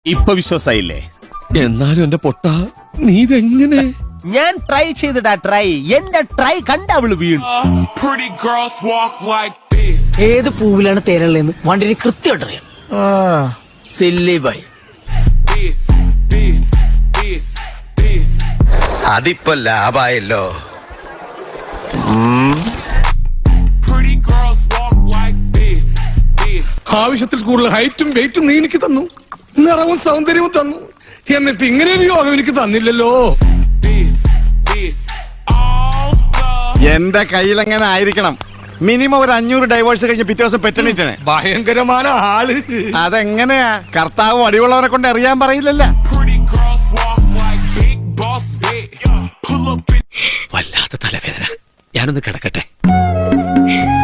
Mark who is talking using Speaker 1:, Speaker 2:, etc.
Speaker 1: ഇപ്പൊ വിശ്വാസായില്ലേ?
Speaker 2: എന്നാലും എന്റെ പൊട്ട നീ ഇതെങ്ങനെ?
Speaker 1: ഞാൻ ട്രൈ ചെയ്തിടാ ട്രൈ. എന്റെ ട്രൈ കണ്ട അവള് വീണു.
Speaker 3: Pretty girls walk like this.
Speaker 4: ഏത് പൂവിലാണ് തേനുള്ളതെന്ന് വണ്ടിന് കൃത്യമായിട്ട് അറിയാം. Silly bye.
Speaker 3: This, this, this, this.
Speaker 5: അതിപ്പോ ലാഭായല്ലോ.
Speaker 3: Pretty girls walk like this, this.
Speaker 2: ആവശ്യത്തിൽ കൂടുതൽ ഹൈറ്റും വെയിറ്റും നീ എനിക്ക് തന്നു, നിറവും സൗന്ദര്യവും തന്നു. എന്നിട്ട് ഇങ്ങനെ ഒരു യോഗം എനിക്ക് തന്നില്ലല്ലോ.
Speaker 3: This, this, all the
Speaker 5: എന്റെ കയ്യിലെങ്ങനെ ആയിരിക്കണം? മിനിമം ഒരു 500 ഡൈവേഴ്സ് കഴിഞ്ഞ് പിറ്റേ ദിവസം പെറ്റണിട്ടാണ്.
Speaker 2: ഭയങ്കരமான ആള്.
Speaker 5: അതെങ്ങനെയാ? കർത്താവ് അടിയുള്ളവരെ കൊണ്ട് അറിയാൻ പറയില്ലല്ലോ.
Speaker 3: pretty girls walk like big boss big. Pull up in
Speaker 2: വല്ലാത്ത തലവേദന, ഞാനൊന്ന് കിടക്കട്ടെ.